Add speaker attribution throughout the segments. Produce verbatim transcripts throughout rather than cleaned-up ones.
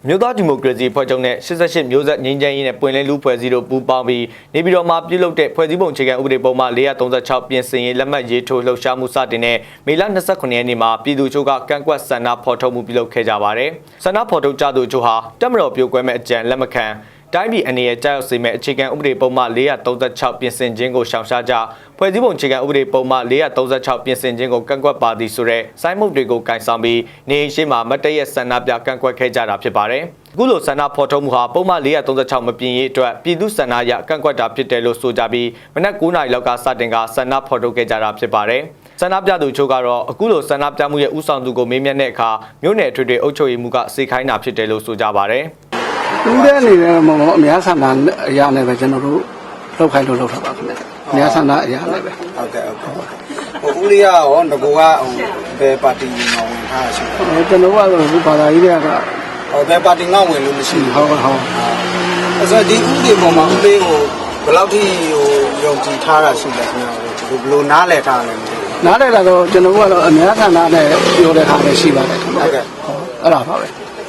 Speaker 1: မြို့သားဒီမိုကရေစီဖွဲ့ချုပ်နဲ့၈၈မျိုးဆက်ငြိမ်းချမ်းရေးနဲ့ပွင့်လင်းလူဖွဲ့စည်းတို့ပူးပေါင်းပြီးနေပြည်တော်မှာပြုလုပ်တဲ့ဖွဲ့စည်းပုံအခြေခံဥပဒေပုံမှန်၄၃၆ပြင်ဆင်ရေးလက်မှတ်ရေးထိုးလှုပ်ရှားမှုစတင်တဲ့မေလ၂၉ရက်နေ့မှာပြည်သူ့ချုပ်ကကန့်ကွက်ဆန္ဒဖော်ထုတ်မှုပြုလုပ်ခဲ့ကြပါတယ်။ဆန္ဒဖော်ထုတ်ကြသူတို့ဟာတက်မတော်ပြိုကွဲမဲ့အကြံလက်မခံတိုင်းပြည်အနေနဲ့ကြောက်စေမဲ့အခြေခံဥပဒေပုံမှန်၄၃၆ပြင်ဆင်ခြင်းကိုရှောင်ရှားကြဖွဲ့စည်းပုံအခြေခံဥပဒေပုံမှန်၄၃၆ပြင်ဆင်ခြင်းကိုကန့်ကွက်ပါသည်ဆိုတဲ့စိုင်းမုတ်တွေကိုကင်ဆောင်ပြီးနေရှိမှာမတ်တရက်ဆန္ဒပြကန့်ကွက်ခဲ့ကြတာဖြစ်ပါတယ်။အခုလိုဆန္ဒဖော်ထုတ်မှုဟာပုံမှန်၄၃၆မပြင်ရေးအတွက်ပြည်သူ့ဆန္ဒရကန့်ကွက်တာဖြစ်တယ်လို့ဆိုကြပြီးမနက်၉နာရီလောက်ကစတင်ကဆန္ဒဖော်ထုတ်ခဲ့ကြတာဖြစ်ပါတယ်။ဆန္ဒပြသူချို့ကတော့အခုလိုဆန္ဒပြမှုရဲ့ဥဆောင်သူကိုမေးမြန်းတဲ့အခါမြို့နယ်ထွေထွေအုပ်ချုပ်ရေးမှုကစေခိုင်းတာဖြစ်တယ်လို့ဆိုကြပါတယ်။
Speaker 2: တူးတဲ့အနေနဲ့မဟုတ်အများဆန္ဒအရာနဲ့ပဲကျွန်တော်တို့လောက်ခိုင်းလို့လောက်ထားပါခင်ဗျအများဆန္ဒအရာနဲ့ပဲဟုတ်ကဲ့ဟုတ်ကဲ့ဟိုဦးလေးရောငကိုကဟိုဘယ်ပါတီမှာဝင်ထားရှိလဲကျွန်တော်ကတော့ဒီဘာသာရေးတွေကဟိုဘယ်ပါတီငေါဝင်လို့မရှိဘူးဟုတ်ဟုတ်အဲ့ဆိုဒီဦးလေးပေါ်မှာဦးလေးကိုဘယ်လောက်ထိဟိုယုံကြည်ထားတာရှိလဲခင်ဗျဘယ်လိုနားလည်ထားလဲနားလည်တာတော့ကျွန်တော်ကတော့အများဆန္ဒနဲ့ပြောတဲ့ဟာလည်းရှိပါတယ်ခင်ဗျဟုတ်ကဲ့အဲ့ဒါပါပဲ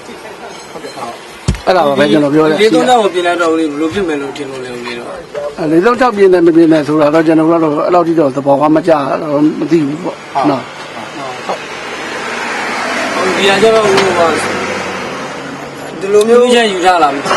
Speaker 2: အဲ့ဒါပါပဲကျွန်တော်ပြောတယ်လေးသုံးတော့ပြင်လိုက်တော့ဦးလေးဘယ်လိုဖြစ်မယ်လို့ထင်လို့လဲဦးလေးတော့အဲလေးသုံးတော့ပြင်တယ်မပြင်တယ်ဆိုတာတော့ကျွန်တော်ကတော့အဲ့လောက်ထိတော့သဘောကမကျတော့မသိဘူးပေါ့နော်ဟုတ်ဒီအကြတော့ဦးကဒီလိုမျိုးရယူထားလားမသိ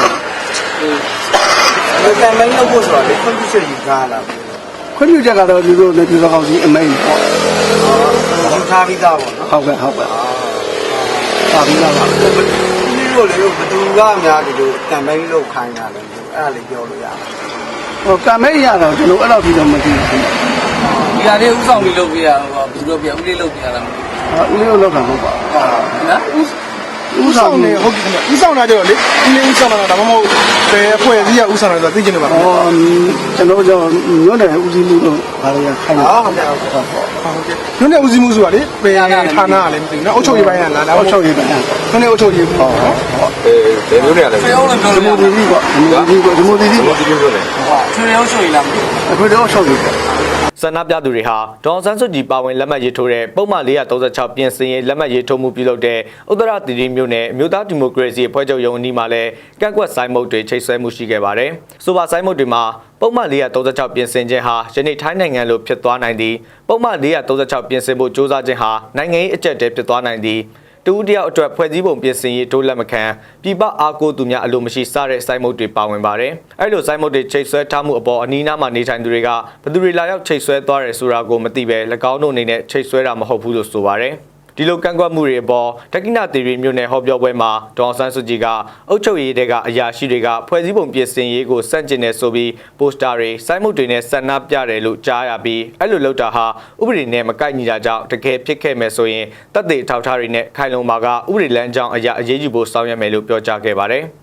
Speaker 2: ဘူးဟိုကမင်းလို့ပို့ဆိုတာလေခွင့်ပြုချက်ယူထားလားခွင့်ပြုချက်ကတော့ဒီလိုနဲ့ဒီလိုကောင်းစီအမိန်ပေါ့ဟုတ်ထားပြီးသားပေါ့နော်ဟုတ်ကဲ့ဟုတ်ကဲ့ထားပြီးသားပါလို့လေဘသူကများဒီလိုကံမိန်လို့ခိုင်းတာလေအဲ့ဒါလေးပြောလို့ရတယ်ဟိုကံမိန်ရတော့ကျွန်တော်အဲ့လောက်ပြီးတော့မသိဘူးဒီဟာလေးဥဆောင်ပြီးလုပ်ပြရတော့ဘယ်လိုပြဦးလေးလုပ်ပြရလားမသိဘူးဦးလေးလုပ်တာမဟုတ်ပါဘူးနော်ဥဆောင်နေဟုတ်ကဲ့ဥဆောင်တာကြတော့လေဦးလေးဥဆောင်တာဒါမှမဟုတ်ဘယ်အဖွဲ့အစည်းကဥဆောင်တာဆိုတာသိချင်တယ်ပါဟောကျွန်တော်ကျွန်တော်ညွန့်တယ်ဦးစီးမှုတော့ဘာလို့ရခိုင်းလဲဟုတ်ကဲ့ဟုတ်ကဲ့ဟုတ်ကဲ့ညွန့်တယ်ဦးစီးမှုဆိုတာလေဘယ်ဌာနကလည်းမသိဘူးနော်အုပ်ချုပ်ရေးပိုင်းကလားလားအုပ်ချုပ်ရေးပိုင်းညွန့်တယ်အုပ်ချုပ်ရေးဟုတ်ဟုတ်အဲဘယ်မျိုးနေရလဲဒီမိုဒီဒီပေါ့ဒီမိုဒီဒီပေါ့ဒီမိုဒီဒီပြောတယ်ဟုတ်ထွေရောချုပ်ရေးလားမသိဘူးထွေရောချုပ်ရေး
Speaker 1: ဆန္ဒပြသူတွေဟာဒေါ်ဆန်းစုကြည်ပါဝင်လက်မှတ်ရေးထိုးတဲ့ပုံမှန်၄၃၆ပြင်ဆင်ရေးလက်မှတ်ရေးထိုးမှုပြုလုပ်တဲ့ဥတ္တရသီရိမြို့နယ်မြို့သားဒီမိုကရေစီအဖွဲ့ချုပ်ရုံးအနီးမှာလည်းကန့်ကွက်ဆိုင်မုတ်တွေချိတ်ဆွဲမှုရှိခဲ့ပါတယ်။ဆိုပါဆိုင်မုတ်တွေမှာပုံမှန်၄၃၆ပြင်ဆင်ခြင်းဟာယနေ့ထိုင်းနိုင်ငံလိုဖြစ်သွားနိုင်သည်ပုံမှန်၄၃၆ပြင်ဆင်ဖို့စ조사ခြင်းဟာနိုင်ငံရေးအကျပ်တဲဖြစ်သွားနိုင်သည်တူတယောက်အတွက်ဖွဲ့စည်းပုံပြင်ဆင်ရေးတိုးလက်မခံပြည်ပအားကိုးသူများအလိုမရှိစတဲ့စိုင်းမုတ်တွေပါဝင်ပါတယ်။အဲ့လိုစိုင်းမုတ်တွေချိတ်ဆွဲထားမှုအပေါ်အနီးနားမှာနေထိုင်သူတွေကဘယ်သူတွေလာရောက်ချိတ်ဆွဲသွားတယ်ဆိုတာကိုမသိပဲ၎င်းတို့အနေနဲ့ချိတ်ဆွဲတာမဟုတ်ဘူးလို့ဆိုပါတယ်။ဒီလိုကန့်ကွက်မှုတွေအပေါ်တက္ကိနသီရိမြို့နယ်ဟောပြောပွဲမှာဒေါ်ဆန်းစုကြည်ကအုပ်ချုပ်ရေးတဲကအရာရှိတွေကဖွဲ့စည်းပုံပြင်ဆင်ရေးကိုစန့်ကျင်နေဆိုပြီးပိုစတာတွေစိုင်းမုတ်တွေနဲ့ဆန္ဒပြတယ်လို့ကြားရပြီးအဲ့လိုလုပ်တာဟာဥပဒေနဲ့မကိုက်ညီတာကြောင့်တကယ်ဖြစ်ခဲ့မယ်ဆိုရင်တပ်တွေထောက်ထားတွေနဲ့ခိုင်လုံမာကဥပဒေလမ်းကြောင်းအရာအရေးယူဖို့ဆောင်ရွက်မယ်လို့ပြောကြားခဲ့ပါတယ်။